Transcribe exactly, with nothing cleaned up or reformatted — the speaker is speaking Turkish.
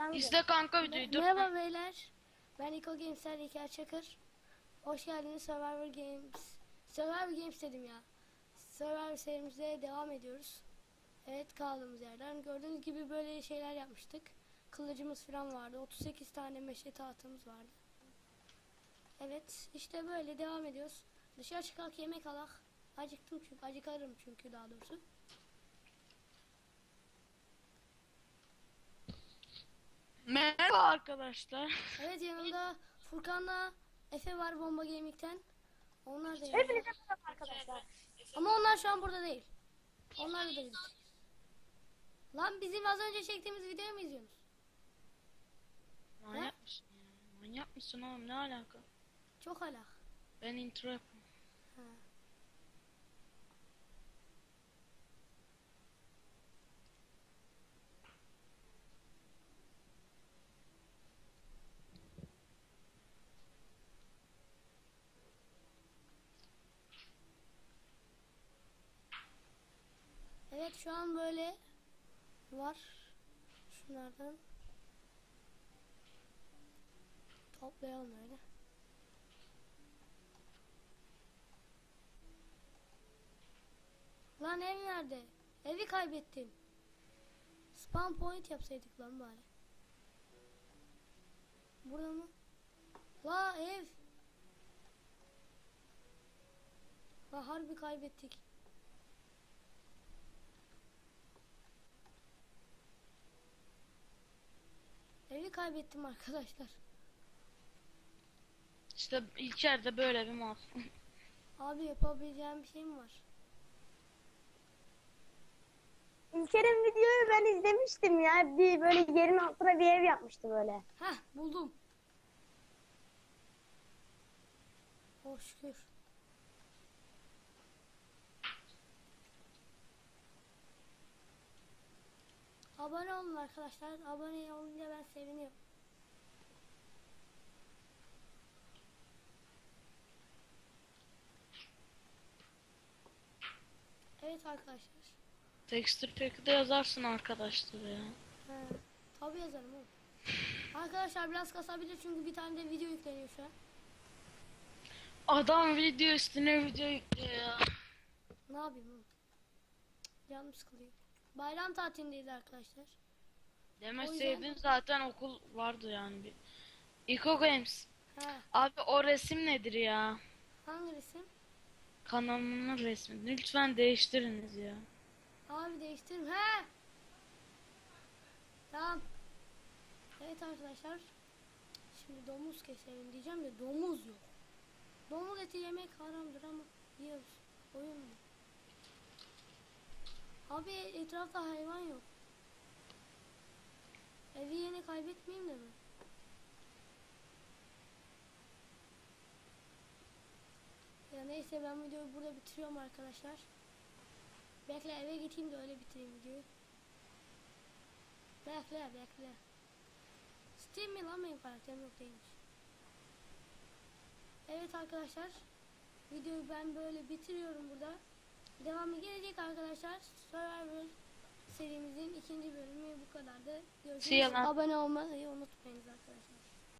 Kanka. İzle kanka videoyu dur. Merhaba beyler. Ben Iko Games'ten İlker Çakır. Hoş geldiniz Survivor Games. Survivor Games dedim ya. Survivor serimize devam ediyoruz. Evet, kaldığımız yerden. Gördüğünüz gibi böyle şeyler yapmıştık. Kılıcımız falan vardı. otuz sekiz tane meşe tahtımız vardı. Evet, işte böyle devam ediyoruz. Dışarı çıkak, yemek alak. Acıktım çünkü. Acıkarım çünkü daha doğrusu. Merhaba arkadaşlar. Evet, yanımda Furkan'la Efe var Bomba Gaming'ten. Onlar da yanımda. Hepinize merhaba arkadaşlar. Ama onlar şu an burada değil. Onlar da video çekiyor. Lan bizim az önce çektiğimiz videoyu mu izliyorsunuz? Manyak mısın ya? Manyak mısın oğlum, ne alaka? Çok alak. Ben intro yapayım. Ha. Evet, şu an böyle var. Şunlardan toplayalım öyle. Lan ev nerede? Evi kaybettim. Spawn point yapsaydık lan bari. Burada mı? La ev. La harbi kaybettik. Evi kaybettim arkadaşlar. İşte İlker'de böyle bir mal. Abi yapabileceğim bir şey mi var? İlker'in videoyu ben izlemiştim ya. Bir böyle yerin altına bir ev yapmıştı böyle. Heh, buldum. Oh şükür. Abone olun arkadaşlar. Abone olunca ben seviniyorum. Evet arkadaşlar. Texture Pack'de yazarsın arkadaşlar ya. He, tabii yazarım oğlum. Arkadaşlar biraz kasabilir çünkü bir tane de video yükleniyor şu an. Adam video üstüne video yüklüyor ya. Ne yapayım oğlum? Canım sıkılıyor. Bayram tatilindeyiz arkadaşlar. Demeseydin zaten okul vardı yani bir. Eco Games. He, Abi o resim nedir ya? hangi resim? Kanalımın resmi. Lütfen değiştiriniz ya. Abi değiştirim. He. Tamam. Evet arkadaşlar. Şimdi domuz keselim diyeceğim de domuz yok. Domuz eti yemek haramdır ama yiyoruz. Oyun mu? Abi etrafta hayvan yok. Evi yine kaybetmeyeyim de mi? Ya neyse, ben videoyu burada bitiriyorum arkadaşlar. Bekle, eve gideyim de öyle bitireyim videoyu. Bekle bekle. Steam mi lan, benim karakterim yok değilmiş. Evet arkadaşlar. Videoyu ben böyle bitiriyorum burada. Devamı gelecek arkadaşlar. Survivor serimizin ikinci bölümü bu kadardı. Görüşürüz. See you lan. Abone olmayı unutmayınız arkadaşlar.